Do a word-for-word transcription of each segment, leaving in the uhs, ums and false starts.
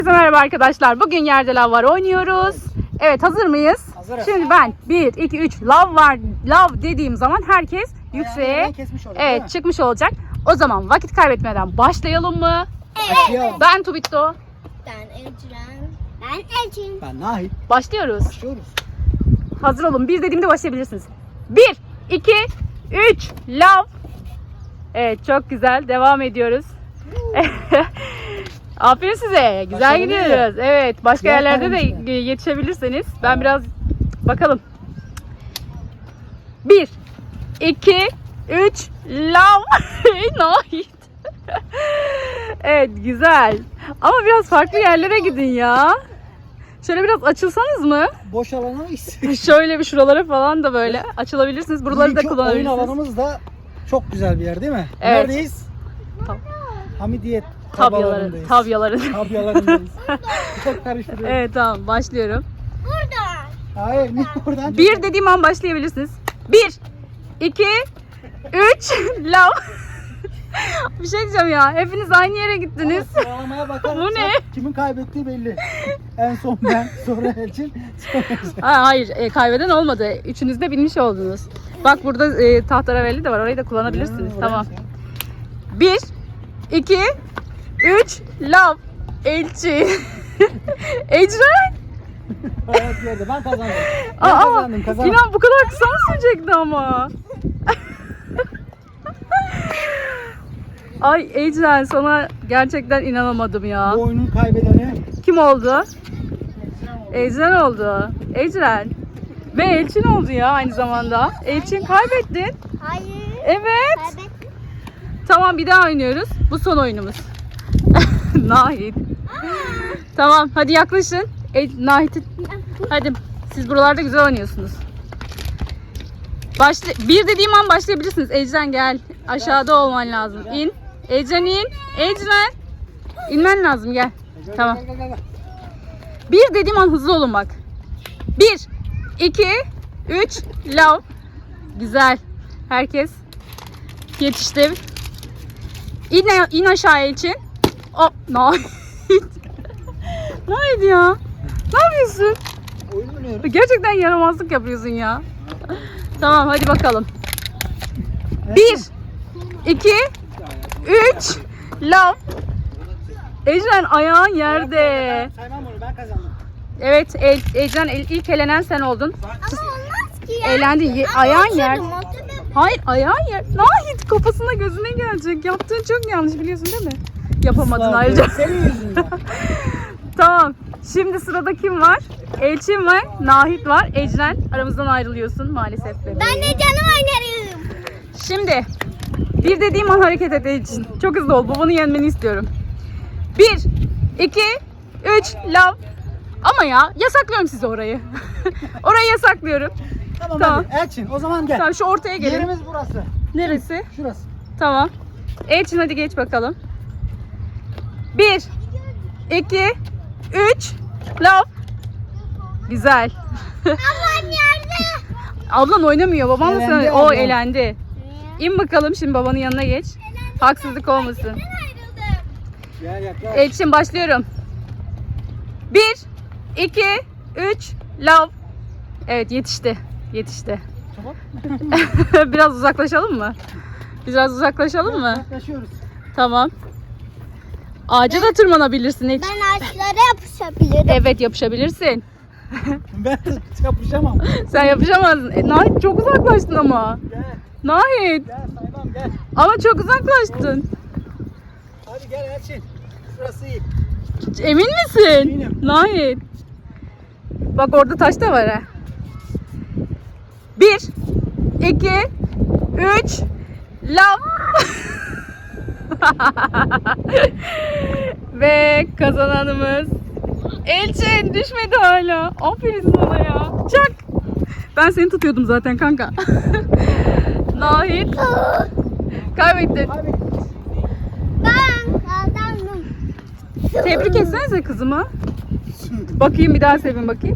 Merhaba arkadaşlar. Bugün yerde lav var oynuyoruz. Evet, hazır mıyız? Hazırız. Şimdi ben bir, iki, üç lav var lav dediğim zaman herkes yükseğe evet çıkmış olacak. O zaman vakit kaybetmeden başlayalım mı? Başlayalım. Ben Tubitto. Ben Ecren. Ben Elçin. Ben Nahit. Başlıyoruz. Başlıyoruz. Hazır olun. Bir dediğimde başlayabilirsiniz. Bir, iki, üç lav. Evet, çok güzel. Devam ediyoruz. Aferin size. Güzel Başarılı. gidiyoruz. Evet. Başka Güzel yerlerde de kaymış yetişebilirsiniz. Ben biraz bakalım. Bir, iki, üç, lav. Nahit. Evet, güzel. Ama biraz farklı yerlere gidin ya. Şöyle biraz açılsanız mı? Boş alana mıyız? Şöyle bir şuralara falan da böyle açılabilirsiniz. Buraları da Bugünkü oyun kullanabilirsiniz. alanımız da çok güzel bir yer değil mi? Evet. Neredeyiz? Tam- Hamidiyet Tabyaları, tabalarındayız. tabyaları. Tabyalarındayız. Çok karıştırıyorum. Evet, tamam, başlıyorum. Burada. Hayır, niye buradan? Bir dediğim an başlayabilirsiniz. Bir, iki, üç, lav. Bir şey diyeceğim ya. Hepiniz aynı yere gittiniz. Ama sıralamaya bakarsak Bu ne? kimin kaybettiği belli. En son ben, sonra Elçin, sonra Elçin. Ha, hayır, e, kaybeden olmadı. Üçünüz de bilmiş oldunuz. Bak, burada e, tahterevalli de var. Orayı da kullanabilirsiniz. Ha, Tamam. orası. Bir, iki, üç, lav. Elçi. Ecren. Hayat yerde. Ben kazandım. Ben Aa, kazandım, kazandım. İnan bu kadar kısa mı sürecekti ama? Ay Ecren, sana gerçekten inanamadım ya. Bu oyunun kaybedeni Kim oldu? Ecren oldu. Ecren. Ve Elçin oldu ya aynı zamanda. Elçin, kaybettin. Hayır. Evet. Kaybettim. Tamam, bir daha oynuyoruz. Bu son oyunumuz. Nahit. Tamam, hadi yaklaşın. E, Nahit'in. Hadi, siz buralarda güzel oynuyorsunuz. Başla bir dediğim an başlayabilirsiniz. Ecren, gel. Aşağıda olman lazım. İn. Ecren, in. Ecren. İnmen lazım, gel. Tamam. Gel, gel, gel, gel. Bir dediğim an hızlı olun bak. Bir, iki, üç, lav. Güzel. Herkes yetişti. İn, in aşağıya için. Hop. Nahit. Nahit ya. Ne yapıyorsun? Oyun oynuyoruz. Gerçekten yaramazlık yapıyorsun ya. Tamam, hadi bakalım. Bir, iki, üç, lav. Ecren, ayağın yerde. Saymam onu, ben kazandım. Evet, El, Ecren el- ilk elenen sen oldun. Ama olmaz ki ya. Eğlendin. Ye- Ama ayağın yer. oturdum, oturdum. Hayır, ayağın yer. Nahit, kafasına gözüne gelecek. Yaptığın çok yanlış, biliyorsun değil mi? Yapamadın Islah ayrıca. ediyorum. Senin yüzünden. Tamam. Şimdi sırada kim var? Elçin var, Nahit var. Ecren, aramızdan ayrılıyorsun maalesef bebeğim. Ben de canım oynarım. Şimdi bir dediğim an hareket et Elçin. Çok hızlı ol. Babanı yenmeni istiyorum. Bir, iki, üç, lav. Ama ya, yasaklıyorum size orayı. Orayı yasaklıyorum. Tamam, Tamam. hadi Elçin, o zaman gel. Tamam, şu ortaya gelin. Yerimiz burası. Neresi? Şurası. Tamam. Elçin, hadi geç bakalım. Bir, iki, üç, lav. Güzel. Ablam yerde. Ablan oynamıyor. Baban da Elendi sana... O ablam. elendi. İn bakalım, şimdi babanın yanına geç. Haksızlık olmasın. Ayrıldım. Gel yaklaş. Elçin, başlıyorum. Bir, iki, üç, lav. Evet, yetişti. Yetişti. Tamam. Biraz uzaklaşalım mı? Biraz uzaklaşalım mı? Yaklaşıyoruz. Tamam. Ağaca da tırmanabilirsin hiç. Ben ağaçlara yapışabilirim. Evet, yapışabilirsin. Ben de yapışamam. Sen yapışamazsın. E, Nahit, çok uzaklaştın ama. Gel. Nahit. Gel saymam, gel. Ama çok uzaklaştın. Hadi gel Elçin. Şurası iyi. Emin misin? Eminim. Nahit. Bak, orada taş da var ha. Bir, iki, üç, lav. Ve kazananımız Elçin, düşmedi hala. Aferin sana ya. Çak. Ben seni tutuyordum zaten kanka. Nahit. Kaybettin. Abi Ben kazandım. Tebrik etsenize kızımı. Bakayım, bir daha sevin bakayım.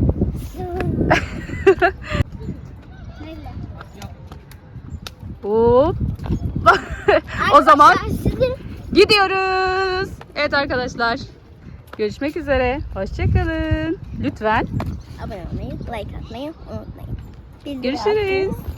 Hop. O zaman Arkadaşlar, sizin gidiyoruz. Evet arkadaşlar. Görüşmek üzere. Hoşçakalın. Lütfen. Abone olmayı, like atmayı unutmayın. Bildirim Görüşürüz. atmayı